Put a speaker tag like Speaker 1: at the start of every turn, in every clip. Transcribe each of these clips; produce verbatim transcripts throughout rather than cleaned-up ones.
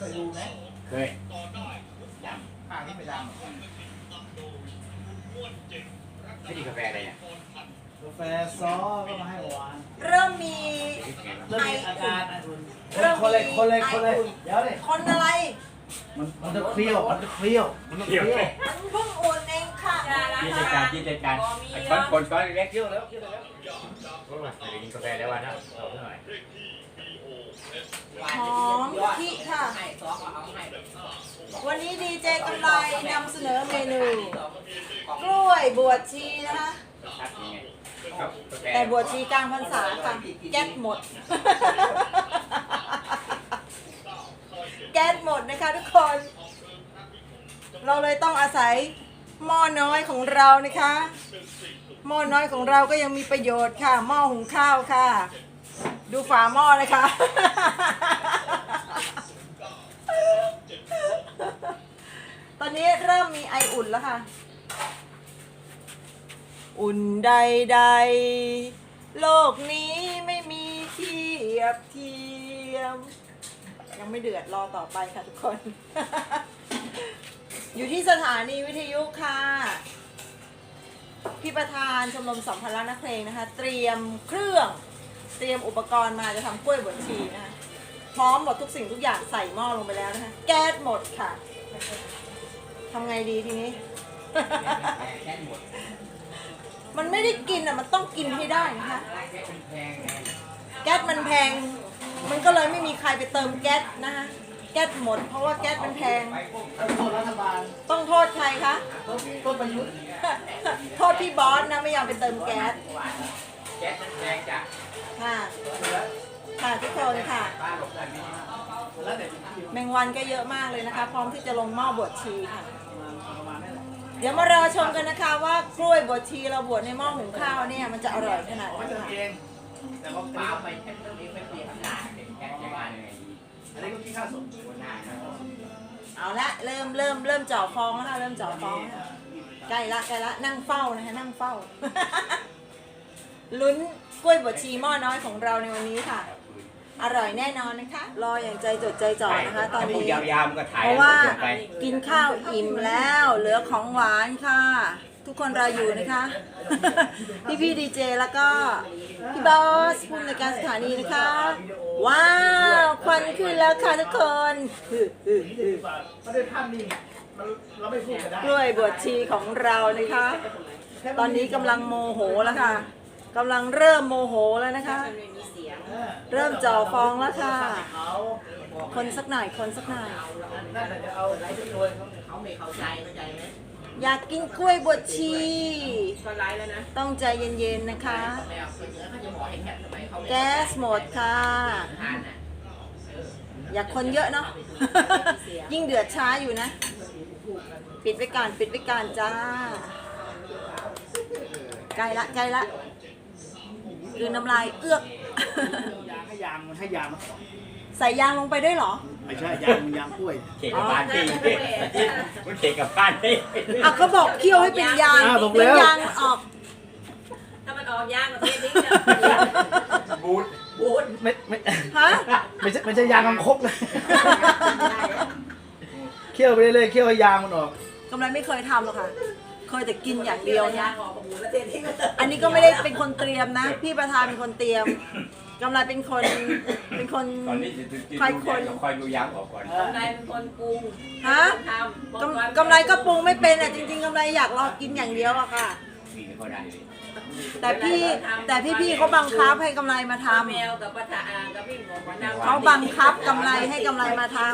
Speaker 1: เคยดูไหม
Speaker 2: เคยย
Speaker 1: ำข้างนี้ไม่ดำ
Speaker 2: ไม่ดีกาแฟอะไรเนี่ย
Speaker 1: กาแฟซอก็มาให้หวาน
Speaker 3: เริ่มมี
Speaker 1: เริ่มมีอาการอ่ะคุณคนเลยคนเลยคนเลยเดี๋ยวเลย
Speaker 3: คนอะไร
Speaker 1: มันมันจะเคี้ยวมันจะเคี้ยวมันจะเคี้ยว
Speaker 3: มันเพิ่งอุ่นเองค่ะ
Speaker 2: ยินดีการยินดีการไอ้คนคนก้อนเล็กเคี้ยวแล้วเคี้ยวแล้วพวกเราไปกินกาแฟแล้ววันนะเอาเท่าไหร่
Speaker 3: หอมพิค่ะวันนี้ดีเจกำไรนำเสนอเมนูกล้วยบวชชีนะคะแต่บวชชีกลางพรรษาค่ะแก๊สหมดแก๊สหมดนะคะทุกคนเราเลยต้องอาศัยหม้อน้อยของเรานะคะหม้อน้อยของเราก็ยังมีประโยชน์ค่ะหม้อหุงข้าวค่ะดูฝาหม้อเลยค่ะตอนนี้เริ่มมีไออุ่นแล้วค่ะอุ่นใดๆโลกนี้ไม่มีเทียบเทียมยังไม่เดือดรอต่อไปค่ะทุกคน อยู่ที่สถานีวิทยุค่ะพี่ประธานชมรมสัมพันธ์นักเพลงนะคะเตรียมเครื่องเตรียมอุปกรณ์มาจะทำกล้วยบวชชีนะคะพร้อมหมดทุกสิ่งทุกอย่างใส่หม้อลงไปแล้วนะคะแก๊สหมดค่ะทำไงดีทีนี้ มันไม่ได้กินอ่ะมันต้องกินให้ได้นะคะแก๊สมันแพงมันก็เลยไม่มีใครไปเติมแก๊สนะคะแก๊สหมดเพราะว่าแก๊สมันแพง
Speaker 1: โทษรัฐบาล
Speaker 3: ต้องโทษใครคะ
Speaker 1: โทษประยุทธ์
Speaker 3: โทษพี่บอสนะไม่ยอมไปเติมแก๊ส
Speaker 2: แก๊สมันแพงจ้ะ
Speaker 3: ค่ะค่ะทุกคนค่ะแมงวันก็เยอะมากเลยนะคะพร้อมที่จะลงหม้อบวชชีค่ะเดี๋ยวมารอชมกันนะคะว่ากล้วยบวชชีเราบวชในหม้อหุงข้าวเนี่ยมันจะอร่อยขนาดไหนค่ะ
Speaker 1: แต่ก็เปล่าไปแค่นี้ไม่เปลี่ยนขนาดเป็นแค่ยังไงอันนี้ก็คิดค่าสมควรหน้า
Speaker 3: เอาละเริ่มเริ่มเริ่มจ่อฟองแล้วค่ะเริ่มจ่อฟองใกล้ละใกล้ละนั่งเฝ้านะคะนั่งเฝ้าลุ้นกล้วยบวชชีหม้อน้อยของเราในวันนี้ค่ะอร่อยแน่นอนนะคะรออย่างใจจดใจจ่อนะคะตอนนี้เพราะว่ากินข้าวอิ่มแล้วเหลือของหวานค่ะทุกคนรออยู่นะคะพี่พี่ดีเจแล้วก็พี่บอสผู้ในการสถานีนะคะว้าวควันขึ้นแล้วค่ะทุกคน
Speaker 1: ไม่ได้ภาพนิ่งเราไม่พูดกันได้
Speaker 3: กล้วยบวชชีของเรานะคะตอนนี้กำลังโมโหแล้วค่ะกำลังเริ่มโมโหแล้วนะคะเริ่มจ่อฟองแล้วค่ะคนสักหน่อยคนสักหน่อยอยากกินกล้วยบวชชีต้องใจเย็นๆนะคะแก๊สหมดค่ะอยากคนเยอะเนาะ ยิ่งเดือดช้าอยู่นะปิดไว้ก่อนปิดไว้ก่อนจ้าใกล้ละใกล้ละคือน้ำลายเอื้อก
Speaker 1: ให้ยางมันให้ยาง
Speaker 3: ใส่ยางลงไปด้วยเหรอ
Speaker 1: ไม่ใช่ยางมันยางกล้วย
Speaker 2: เขกกับบ้านพี่มันเขกกับบ้านพี่
Speaker 3: อ่ะเขาบอกเคี่ยวให้เป็นยางเป็นยางออก
Speaker 4: ถ้ามันออกยางก็เททิ้งเลย
Speaker 2: บูด
Speaker 4: บูด
Speaker 1: ไม่ไม่
Speaker 3: ฮะ
Speaker 1: ไม่ใช่ไม่ใช่ยางกังคกเลยเคี่ยวไปเรื่อยๆเคี่ยวให้ยางมันออก
Speaker 3: กำไรไม่เคยทำหรอกค่ะเคยแต่กินอย่างเดียวนะอันนี้ก็ไม่ได้เป็นคนเตรียมนะพี่ประธานเป็นคนเตรียมกำไรเป็นคนเป็นคนคอยคน
Speaker 2: คอยดูยางออกก่อน
Speaker 4: กำไรเป็นคนปรุง
Speaker 3: ฮะกำไรก็ปรุงไม่เป็นอ่ะจริงๆกำไรอยากรอกินอย่างเดียวอะค่ะแต่พี่แต่พี่พี่เขาบังคับให้กำไรมาทำเขาบังคับกำไรให้กำไรมาทำ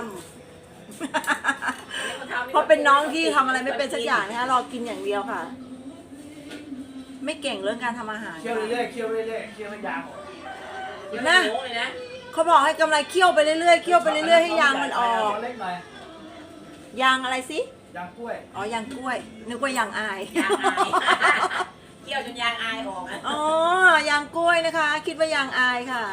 Speaker 3: เพราะเป็นน้องที่ทำอะไรไม่เป็นสักอย่างนะคะรอกินอย่างเดียวค่ะไม่เก่งเรื่องการทำอาหาร
Speaker 1: เคี่ยวเรื่อยๆเคี่ยวเรื่อยๆเคี่ยวให้ยางออก
Speaker 3: นะเขาบอกให้กำไรเคี่ยวไปเรื่อยๆเคี่ยวไปเรื่อยๆให้ยางมันออกยางอะไรสิ
Speaker 1: ยางกล้วย
Speaker 3: อ๋อยางกล้วยนึกว่ายางอาย
Speaker 4: เคี่ยวจนยางอายออก
Speaker 3: อ๋อยางกล้วยนะคะคิดว่ายางอายค่ะ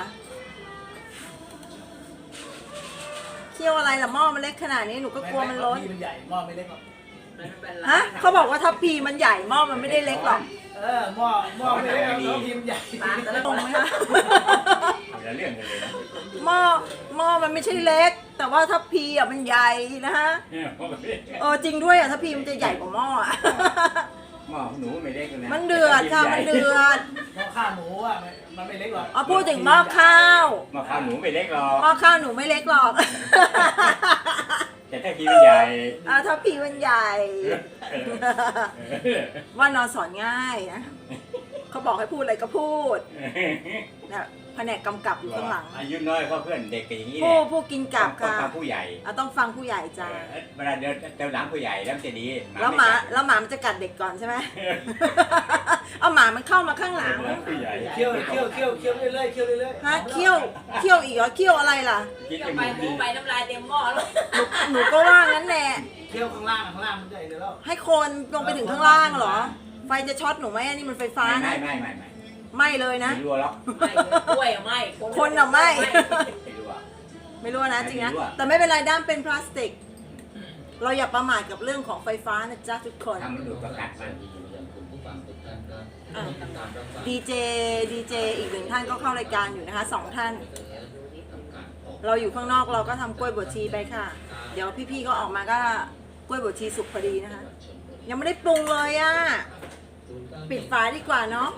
Speaker 3: เคี่ยวอะไรล่ะหม้อมันเล็กขนาดนี้หนูก็กลัวมันล้น
Speaker 1: มันใหญ่หม้อไม่เล็กหรอก
Speaker 3: ฮะเขาบอกว่าทัพพีมันใหญ่หม้อมันไม่ได้เล็กหรอก
Speaker 1: เออหม้อหม้อไม่เล็กทัพพีมันใหญ่
Speaker 3: ตรงไหมคะ
Speaker 2: ละเรื่องกันเลยนะ
Speaker 3: หม้อหม้อมันไม่ใช่เล็ก แต่ว่าทัพพีอ่ะมันใหญ่นะฮะเออจริงด้วยอ่ะทัพพีมันจะใหญ่กว่าหม้ออ่ะ
Speaker 2: หม้อหนูไม่เล็กเลยนะ
Speaker 3: มันเดือดค่ะมันเดือด
Speaker 1: หม้อข้าวหมูอ่ะมันไม่เล็กหรอก
Speaker 3: อ๋อพูดถึงหม้อข้าว
Speaker 2: หม้อข้าวหนูไม่เล็กหรอก
Speaker 3: หม้อข้าวหนูไม่เล็กหรอก
Speaker 2: แต่ถ้าพี่มันใหญ่
Speaker 3: อ่าทัพพีมันใหญ่ ว่านอนสอนง่ายนะเขาบอกให้พูดอะไรก็พูดนะแผนกกำกับอยู่ข้างหลัง
Speaker 2: อายุน้อยก็เพื่อนเด็กกันอย่างนี้แห
Speaker 3: ผู้
Speaker 2: ละ
Speaker 3: ผู้กินกลับ
Speaker 2: ต้อง
Speaker 3: ค่ะ
Speaker 2: ฟังผู้ใหญ่
Speaker 3: อ่ะต้องฟังผู้ใหญ่จ้า
Speaker 2: เวลาเดินเดินหลังผู้ใหญ่แล้วจะดี
Speaker 3: แล้วหมาแล้วหมามันจะกัดเด็กก่อนใช่ไหม เอาหมามันเข้ามาข้างหลัง
Speaker 2: ผู้ใหญ่
Speaker 1: เคี่ยวเคี่ยวเคี่ยวเคี่ยวเรื่อยๆเคี่ยวเรื่อยๆ
Speaker 3: ฮะเคี่ยวเคี่ยวอีกเหรอเคี่ยวอะไรล่ะ
Speaker 2: กิน
Speaker 4: เดี๋ยว
Speaker 2: จ
Speaker 4: ไป
Speaker 2: มูก
Speaker 4: หมู
Speaker 2: ดี
Speaker 4: ไปน้ำลายเต็มหม้อแล้ว
Speaker 3: หนูหนูก็ว่างั้นแหละ
Speaker 1: เคี่ยวข้างล่างข้างล่างมันใหญ่เลยแล้ว
Speaker 3: ให้คนลงไปถึงข้างล่างเหรอ ไฟจะช็อตหนูไหมอันนี้มันไฟฟ้า
Speaker 2: ไม่
Speaker 3: นะ
Speaker 2: ไม่ไม่ไม่
Speaker 3: ไม่เลยนะ
Speaker 2: ไม่รู้หรอก
Speaker 4: ไม่กล้วยอะไม่
Speaker 3: คนอะไม่
Speaker 2: ไม่รู้อ่ะ
Speaker 3: ไม่รู้นะจริงนะ
Speaker 2: ไม่รู้อะ
Speaker 3: แต่ไม่เป็นไรด้ามเป็นพลาสติก เราอย่าประมาทกับเรื่องของไฟฟ้านะจ๊ะทุกคน
Speaker 2: ทำมันดูดประกัดมัน
Speaker 3: ดีเจดีเจอีกหนึ่งท่านก็เข้ารายการอยู่นะคะสองท่าน เราอยู่ข้างนอกเราก็ทำกล้วยบวชชีไปค่ะ เดี๋ยวพี่ๆก็ออกมาก็กล้วยบวชชีสุกพอดีนะคะ ยังไม่ได้ปรุงเลยอ่ะ ปิดฝาดีกว่าเนาะ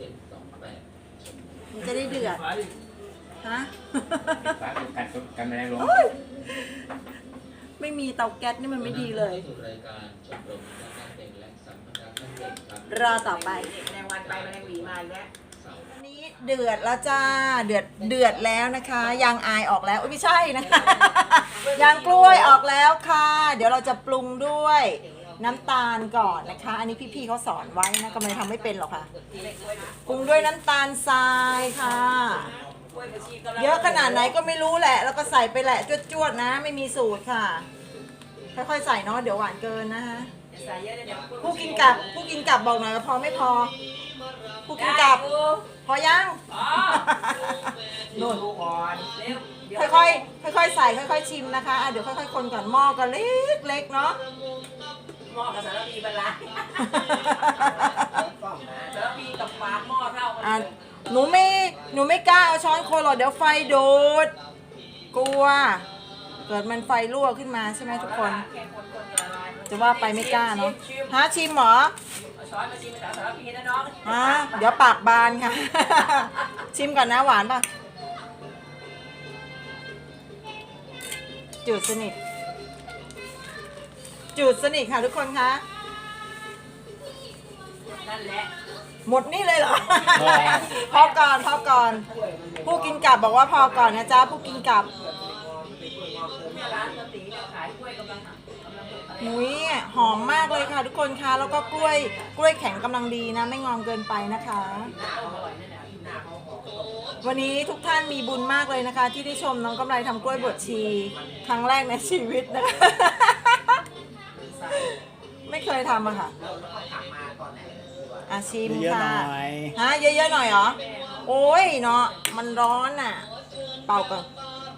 Speaker 3: มันจะได้เดือด
Speaker 1: ฝาดิ
Speaker 3: ฮะ
Speaker 2: ฝาดูกันกันแมลงลง
Speaker 3: โอ๊ยไม่มีเตาแก๊สนี่มันไม่ดีเลย รอต่อไป
Speaker 4: แมลงวันไปแมลงหวีมาอีกแล้ว
Speaker 3: อันนี้เดือดแล้วจ้า เดือดเดือดแล้วนะคะยางอายออกแล้วอุ๊ยไม่ใช่นะคะยางกล้วยออกแล้วค่ะ เดี๋ยวเราจะปรุงด้วยน้ำตาลก่อนนะคะ อันนี้พี่ๆเขาสอนไว้นะก็ไม่ทำไม่เป็นหรอกค่ะ ปรุงด้วยน้ำตาลทรายค่ะ
Speaker 4: กล้วยบวชชีกำลัง
Speaker 3: เยอะขนาดไหนก็ไม่รู้แหละ แล้วก็ใส่ไปแหละจวดๆนะ ไม่มีสูตรค่ะ ค่อยๆใส่เนาะเดี๋ยวหวานเกินนะคะ
Speaker 4: อย่าใส่เยอะเดี๋ยว
Speaker 3: ผู้กินกลับผู้กินกลับบอกหน่อยว่าพอไม่พอ ผู้กินกลับ พอยัง
Speaker 4: อ๋อ
Speaker 3: นู่น
Speaker 1: ลูกอ่อน
Speaker 4: เร็วเดี๋ยว
Speaker 3: ค่อยๆค่อยๆใส่ค่อยๆชิมนะคะอ่ะเดี๋ยวค่อยๆคนก่อนหม้อก็เล็กๆเนาะ
Speaker 4: หม้อกับสารพีบรรลัยสารพีกับฝาหม้อเท่ากัน
Speaker 3: อ่ะ
Speaker 4: เลย
Speaker 3: หนูไม่หนูไม่กล้าเอาช้อนคนหรอกเดี๋ยวไฟดูดกลัว เกิดมันไฟรั่วขึ้นมาใช่ไหมทุกคน
Speaker 4: แค่คนๆจะละลายมัน
Speaker 3: จะว่าไปไม่กล้าเนาะ
Speaker 4: ชิม
Speaker 3: ฮะชิมเหรอ
Speaker 4: เอาช้อนมาชิมกับสารพีนะน้อง
Speaker 3: ฮะเดี๋ยวปากบานค่ะ ชิมก่อนนะหวานป่ะจืดสนิทจืดสนิทค่ะทุกคนคะ
Speaker 4: นั่นแหละ
Speaker 3: หมดนี่เลยเหรอ พอก่อนพอก่อน ผู้กินกลับบอกว่าพอก่อนนะจ๊ะผู้กินกลับ
Speaker 4: เนี่ยร้านกะตีเนี่ยขายกล้วยกำลังกำลังอะไร
Speaker 3: หุยหอมมากเลยค่ะทุกคนคะแล้วก็กล้วยกล้วยแข็งกำลังดีนะ ไม่งอมเกินไปนะคะ
Speaker 4: หน้าเขาอร่อยนั่นแหละหน้าเขาหอม
Speaker 3: วันนี้ทุกท่านมีบุญมากเลยนะคะ ที่ได้ชมน้องกำไรทำกล้วยบวชชีครั้งแรกในชีวิตนะคะ ไม่เคยทำอะค่ะอาชิม
Speaker 1: เยอะห
Speaker 3: ค่ะ
Speaker 1: น่อย
Speaker 3: ฮะเยอะๆหน่อยเหรอ โอ้ยเนาะมันร้อนอ่ะ เป่าก่อน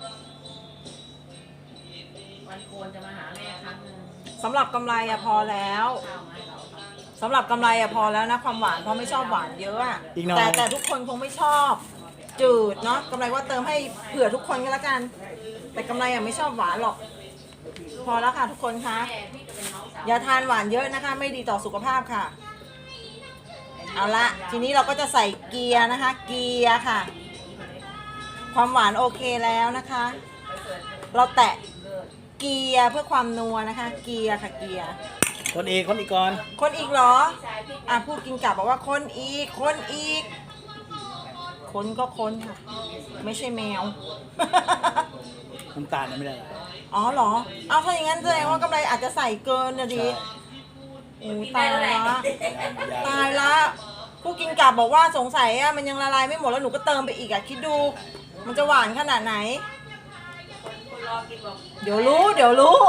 Speaker 4: วันโกนจะมาหาแม่ครั้งหนึง
Speaker 3: สำหรับกำไรอะพอแล้ว
Speaker 4: ข้าวมาให้เรา
Speaker 3: สำหรับกำไรอะพอแล้วนะความหวานเพราะไม่ชอบหวานเยอะอะ
Speaker 1: อีกหน่อย
Speaker 3: แต่แต่ทุกคนคงไม่ชอบ จืดเนาะกำไรว่าเติมให้เผื่อทุกคนก็แล้วกัน แต่กำไรอะไม่ชอบหวานหรอก พอแล้วค่ะทุกคนคะ
Speaker 4: แม่พี่จะเป็นน้องสาว
Speaker 3: อย่าทานหวานเยอะนะคะ ไม่ดีต่อสุขภาพค่ะ เอาละทีนี้เราก็จะใส่เกียร์นะคะ เกียร์ค่ะ ความหวานโอเคแล้วนะคะ เราแตะเกียร์เพื่อความนัวนะคะ เกียร์ค่ะเกียร์
Speaker 1: คนอีกคนอีกก่อน
Speaker 3: คนอีกเหรอ อ่ะพูดกินกลับบอกว่าคนอีก คนอีก คนก็คนค่ะ ไม่ใช่แมว
Speaker 1: น้ำตาลยังไม่ได้
Speaker 3: อ๋อเหรอ เอาถ้าอย่างนั้นแสดงว่ากำไรอาจจะใส่เกินนะดิโอ้ตายละตายละผู้กินกลับบอกว่าสงสัยอ่ะมันยังละลายไม่หมดแล้วหนูก็เติมไปอีกอ่ะคิดดู มันจะหวานขนาดไหน
Speaker 4: คนรอกินบอก
Speaker 3: เดี๋ยวรู้ เดี๋ยวรู้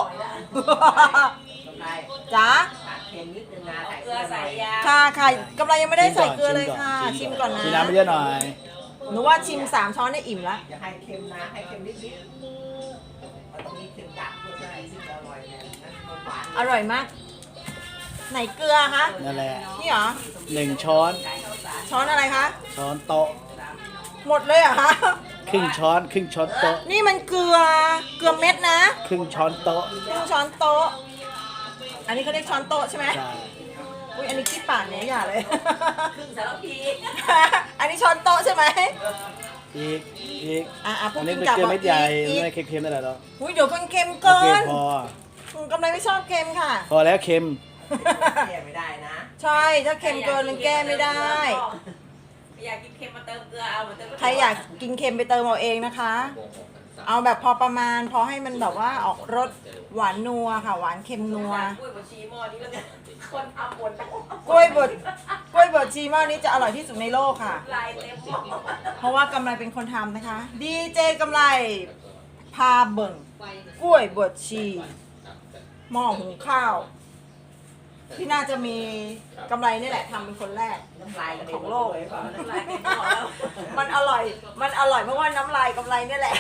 Speaker 3: จ๋า
Speaker 4: เค็มนิดนึงนะใส่เกลือใส่ยา
Speaker 3: ค่ะค่ะกำไรยังไม่ได้ใส่เกลือเลยค่ะ ชิมก่อนนะ
Speaker 1: ชิมน้ำไปเยอะหน่อย
Speaker 3: หนูว่าชิมสามช้อนได้อิ่มละ
Speaker 5: อย่าให้เค็มนะให้เค็มนิดๆมันต้องมีเค็มจัดเพื่อจะให้สิ่งอร่อยเนี่ยนะมันหวาน
Speaker 3: อร่อยมาก ไหนเกลือคะ
Speaker 1: นั่นแหละ
Speaker 3: นี่เหรอ
Speaker 1: หนึ่งช้อน
Speaker 3: ช้อนอะไรคะ
Speaker 1: ช้อนโต๊ะ
Speaker 3: หมดเลยเหรอคะ
Speaker 6: ครึ่งช้อนครึ่งช้อนโต๊ะ
Speaker 3: นี่มันเกลือเกลือเม็ดนะ
Speaker 6: ครึ่งช้อนโต๊ะ
Speaker 3: ครึ่งช้อนโต๊ะอันนี้เขาเรียกช้อนโต๊ะใช่ไหม
Speaker 6: ใช่
Speaker 3: อุ้ยอันนี้ขี้ปากเนี่ยอย่าเลย
Speaker 4: ครึ่งสารพี
Speaker 3: อันนี้ช้อนโต๊ะใช่ไหม
Speaker 6: อีกอีก
Speaker 3: อ่ะอ่ะพว
Speaker 6: อั
Speaker 3: ก
Speaker 6: นนี้
Speaker 3: กิน
Speaker 6: เป็น
Speaker 3: กลับ
Speaker 6: เกลือเม็ดใหญ่
Speaker 3: อีก
Speaker 6: ไม่เค็มๆนั่นแหละเนาะ
Speaker 3: อุ้ยเดี๋ยวมันเค็ม
Speaker 6: โอ
Speaker 3: เกิ
Speaker 6: เคน พอ
Speaker 3: อืมกำไรไม่ชอบเค็มค่ะ
Speaker 6: พอแล้วเค็ม
Speaker 5: แก้ไม่ได้นะ
Speaker 3: ใช่ถ้าเค็มเกินมันแก้ไม่ได้
Speaker 4: อยากกินเค็มมาเติมเกลือเอามาเติม
Speaker 3: ใครอยากกินเค็มไปเติมเอาเองนะคะ เอาแบบพอประมาณ พอให้มันแบบว่าออกรสหวานนัวค่ะ หวานเค็มนัว
Speaker 4: กล้วยบดชีหม้อนี้แล้วกันคนทำบด
Speaker 3: กล้วยบดกล้วยบดชีหม้อนี้จะอร่อยที่สุดในโลกค่ะ
Speaker 4: ลายเต็มหม้อ
Speaker 3: เพราะว่ากำไรเป็นคนทำนะคะ ดีเจกำไรพาเบิ่งกล้วยบดชีหม้อหุงข้าว ที่น่าจะมีกำไรนี่แหละทำเป็นคนแรก
Speaker 5: น้ำลายกระเด็น
Speaker 3: ของโลก
Speaker 5: เลยเปล่า
Speaker 4: ลายเต็มหม้อแล้ว
Speaker 3: มันอร่อย มันอร่อยเพราะว่าน้ำลายกำไรนี่แหละ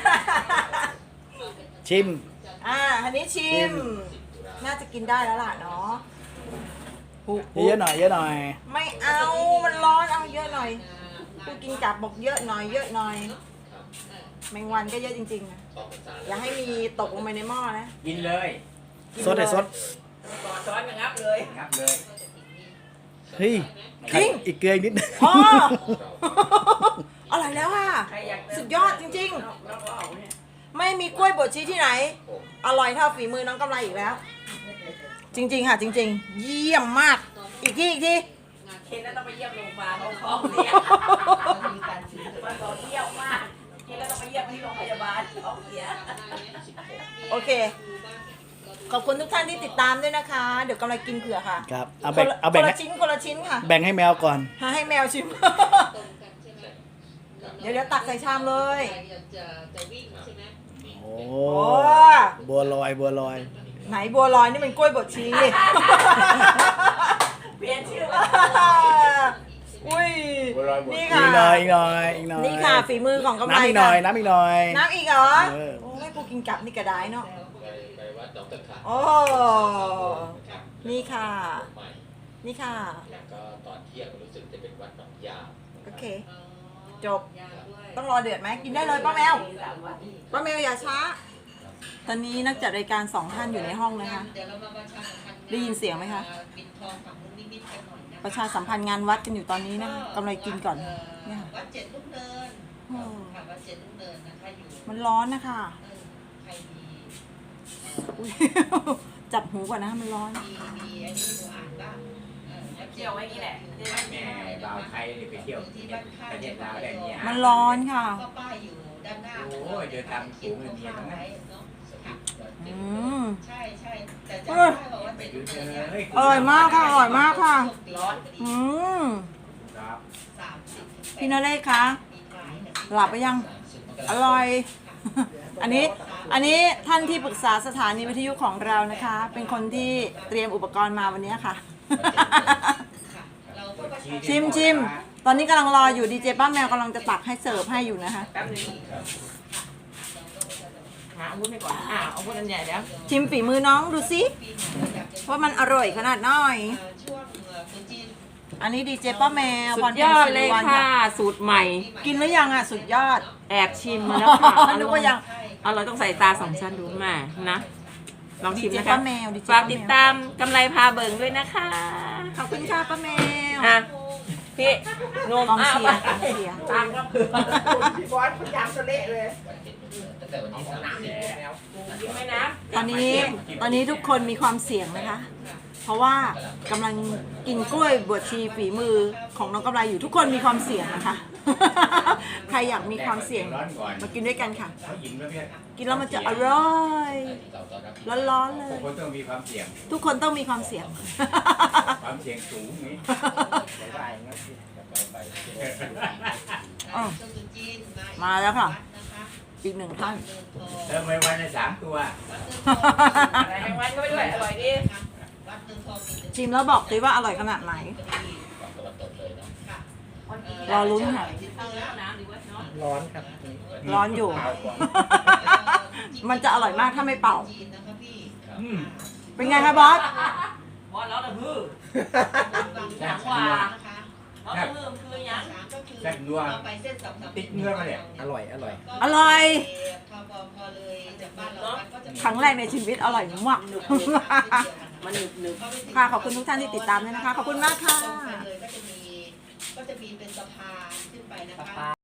Speaker 6: ชิม
Speaker 3: อ่าอันนี้ชิ
Speaker 6: ชิ
Speaker 3: ม
Speaker 6: ม
Speaker 3: น่าจะกินได้แล้วล่ะเนาะหูหู
Speaker 6: เยอะหน่อยเยอะหน่อย
Speaker 3: ไม่เอา มันร้อน เอาเยอะหน่อยกูกินกลับบอกเยอะหน่อย เยอะหน่อย แมงวันก็เยอะจริงๆนะอย่าให้มีตกลงไปในหม้อนะ
Speaker 2: กินเลย
Speaker 3: กิน
Speaker 6: ซดไอ้ซด
Speaker 4: ก่อนช้อนกันงับเลย
Speaker 2: งับเลย
Speaker 6: เฮ้ย
Speaker 3: จริง
Speaker 6: อีกเกลืออีกนิดนึง
Speaker 3: อ๋อ อร่อยแล้วค่ะ
Speaker 4: ใครอยากเติม
Speaker 3: สุดยอดจริง
Speaker 4: แล้วก็เอาเนี่ย
Speaker 3: ๆ ไม่มีกล้วยบดชีสที่ไหน อร่อยเท่าฝีมือน้องกำไรอีกแล้ว จริงๆค่ะ จริง ๆ เยี่ยมมาก อีกทีอีกที
Speaker 4: เคนแล้วต้องไปเยี่ยมโรงพยาบาลเขาท้องเสีย
Speaker 5: มีการชิม
Speaker 4: มันบอกเยี่ยมมากเคนแล้วต้องไปเยี่ยมที่โรงพยาบาลท้องเสีย
Speaker 3: โอเค ขอบคุณทุกท่านที่ติดตามด้วยนะคะ เดี๋ยวกำลังกินเผื่อค่ะ
Speaker 6: ครับเอาแบ่ง
Speaker 3: คนละ
Speaker 6: เอาแบ่ง
Speaker 3: คน
Speaker 6: ให้
Speaker 3: ละชิ้นคนละชิ้นค่ะ
Speaker 6: แบ่งให้แมวก่อน
Speaker 3: หาให้แมวชิม เดี๋ยวเดี๋ยวตักใส่ชามเลย
Speaker 6: โอ้
Speaker 3: โอ้
Speaker 6: บัวลอยบัวลอย
Speaker 3: ไหนบัวลอยนี่มันกล้วยบดชี
Speaker 4: เปลี่ยนชื่อ
Speaker 3: อุ้ย
Speaker 2: บัวลอยบด
Speaker 3: นี่
Speaker 6: อี
Speaker 3: ค่ะ
Speaker 6: กหน่อยอีกหน่อยอีกหน่อย
Speaker 3: นี่ค่ะฝีมือของกำไร
Speaker 6: น้ำอีกหน่อย
Speaker 3: ค่ะ
Speaker 6: น้ำอีกหน่อย
Speaker 3: น้ำอีกเหรอ
Speaker 6: เออ
Speaker 3: โอ้ยกูกินกลับนี่กระได้เนาะโอ้นี่ค่ะ นี่ค่ะ
Speaker 7: แล้วก็ตอนเที่ยงรู้สึกจะเป็นวัดหนองยาว
Speaker 3: โอเค จบ ต้องรอเดือดไหมกินได้เลยป้าแมว ป้าแมวอย่าช้า ตอนนี้นักจัดรายการสองท่านอยู่ในห้องนะคะ ได้ยินเสียงไหมคะ ประชาสัมพันธ์งานวัดกันอยู่ตอนนี้นะคะกำไรกินก่อนเนี่ยค่ะ
Speaker 8: วัดเจ็ดลูกเนิน
Speaker 3: โอ้
Speaker 8: ค่ะวัดเจ็ดลูกเนินนะคะอยู่
Speaker 3: มันร้อนนะคะ
Speaker 8: เออใครมี
Speaker 3: อุ๊ย จับหูก่อนนะมันร้อน
Speaker 8: มีมีไอ้นี่หนูอ่านบ้างเออวัด
Speaker 4: เจียวไว้นี่แหละ
Speaker 2: แม่บ่าวไทยนี่ไปเที่ยวประเทศลาวได้เนี่ย
Speaker 3: มันร้อนค่ะ
Speaker 8: ก็ป้ายอยู่ด้านหน้า
Speaker 2: โอ้ยเดี๋ยวทำสูงเลยเมียทั้งนั้น
Speaker 8: ไว้เนาะค่ะ
Speaker 3: อืม
Speaker 8: ใช่ใช่แต่
Speaker 3: เอ
Speaker 8: จะ
Speaker 3: อ
Speaker 8: ได้บอกว่า
Speaker 2: ไป
Speaker 8: เจ็ด
Speaker 2: ดู
Speaker 8: ลูก
Speaker 2: เธ
Speaker 8: เนิ
Speaker 2: อน
Speaker 8: เนี่ย
Speaker 3: อร่อยมากค่ะอร่อยมากค่ะ
Speaker 8: ร้อน
Speaker 3: อืม
Speaker 2: ครับ
Speaker 8: สามสิบ
Speaker 3: พี่นเรศคะ
Speaker 8: ปีกลายเนี่ย
Speaker 3: หลับไปยัง อร่อย อันนี้ อันนี้ท่านที่ปรึกษาสถานีวิทยุของเรานะคะ เป็นคนที่เตรียมอุปกรณ์มาวันนี้ค่ะ
Speaker 8: ค่ะเราก็ประชา
Speaker 3: ชิมชิม ตอนนี้กำลังรออยู่ดีเจป้าแมวกำลังจะตักให้เสิร์ฟให้อยู่นะคะ
Speaker 4: แป๊บนึงหาอาวุธให้ก่อนอ่าอาวุธอันใหญ่แล้ว
Speaker 3: ชิมฝีมือน้องดูสิ
Speaker 8: ปีหน้าอยากจะ
Speaker 3: ว่ามันอร่อยขนาดน้อย
Speaker 8: เอ่อช่วงเอ่อตรุษจีน
Speaker 3: อันนี้ดีเจป้าแมว
Speaker 4: สุ
Speaker 3: พ
Speaker 4: ด
Speaker 3: ร
Speaker 4: ย
Speaker 3: พัน
Speaker 4: อ
Speaker 3: ธ์
Speaker 4: ด
Speaker 3: สิ
Speaker 4: เล
Speaker 3: ริ
Speaker 4: ย
Speaker 3: วัล
Speaker 4: ค่ะ
Speaker 3: ค่ะ
Speaker 4: สูตรใหม่
Speaker 3: กินหรือยังอ่ะ สุดยอด
Speaker 4: แอบชิมมาแล้วค่ะ
Speaker 3: นึกว่ายัง
Speaker 4: เอาเราต้องใส่ตาสองชั้นดูแม่นะ ลอง
Speaker 3: ดี
Speaker 4: ชิม
Speaker 3: เจ
Speaker 4: นะ
Speaker 3: ป้า
Speaker 4: คะ
Speaker 3: แมวดีเจ
Speaker 4: ฝาก
Speaker 3: ป้า
Speaker 4: ติด
Speaker 3: แมว
Speaker 4: ตามกำไรพาเบิ่งด้วยนะคะ
Speaker 3: ขอบคุณค่ะป้าแมว
Speaker 4: ฮะพี่นม
Speaker 3: กอง
Speaker 4: อ้าว
Speaker 3: เชียร์กองเชียร์
Speaker 4: ตามก็คือ
Speaker 5: พี่บอสพยายามจะเละเลย
Speaker 7: ตั้งแต่วันที่สามสิบ
Speaker 4: กินไหมนะ
Speaker 3: ตอนนี้ตอนนี้ทุกคนมีความเสี่ยงนะคะ เพราะว่ากำลังกินกล้วยบวชชีฝีมือของน้องกำไรอยู่ทุกคนมีความเสี่ยงนะคะ ใครอยากมีความเสี่ยง
Speaker 2: ร้อนก่อน
Speaker 3: มากินด้วยกันค่ะ
Speaker 2: เขายิ้มแล้วเนี่ย
Speaker 3: กินแล้วมันจะอร่อยร้อนๆเลย
Speaker 2: คนต้องมีความเสี่ยง
Speaker 3: ทุกคนต้องมีความเสี่ยง
Speaker 2: ความเสี่ยงสูงนี่
Speaker 5: ได้งั้นสิ
Speaker 3: อ้าว
Speaker 8: ช่วงตรุษจีน
Speaker 3: มาแล้วค่ะ
Speaker 8: วัดนะคะ
Speaker 3: อีกหนึ่งท่าน
Speaker 8: เดินทอง
Speaker 2: เติมไปวันละสามตัว
Speaker 8: วัดเดินทอง
Speaker 4: อะไรแมงวันก็ไปด้วย อร่อยดี
Speaker 8: วัดเดินทองมี
Speaker 3: ชิมแล้วบอกสิว่าอร่อยขนาดไหน
Speaker 7: ฝั่งตะวันตกเลยเนาะ
Speaker 8: ค่ะ
Speaker 3: รอลุ้นค่ะ
Speaker 4: เอาแล้วน้ำหรือว่าน้ำ
Speaker 5: ร้อนครับ
Speaker 3: ร้อนอยู่ มันจะอร่อยมากถ้าไม่เป่า
Speaker 8: จีนนะคะพี่
Speaker 2: อืม
Speaker 3: เป็นไงคะบอส
Speaker 4: บอลแล้วนะพื้
Speaker 8: บางอย่าง
Speaker 4: ว่า
Speaker 8: นะคะ
Speaker 4: เพราะเพิ่มคือยัง
Speaker 8: สามก็คือ
Speaker 2: แซ่บนัว
Speaker 8: เราไปเส้นสองสาม
Speaker 2: ติดเงื่อนมาเนี่ย
Speaker 6: อร่อยอร่อย
Speaker 3: อร่อย
Speaker 8: พอพอพอเลยจากบ้านเรามันก็จะมี
Speaker 3: ครั้งแรกในชีวิตอร่อยมาก
Speaker 4: มันหนึบหนึบ
Speaker 3: ค่ะขอบคุณทุกท่านที่ติดตามด้วยนะคะขอบคุณมากค่ะ
Speaker 8: ตรงไปเลยก็จะมีก็จะมีเป็นสะพานขึ้นไปนะคะ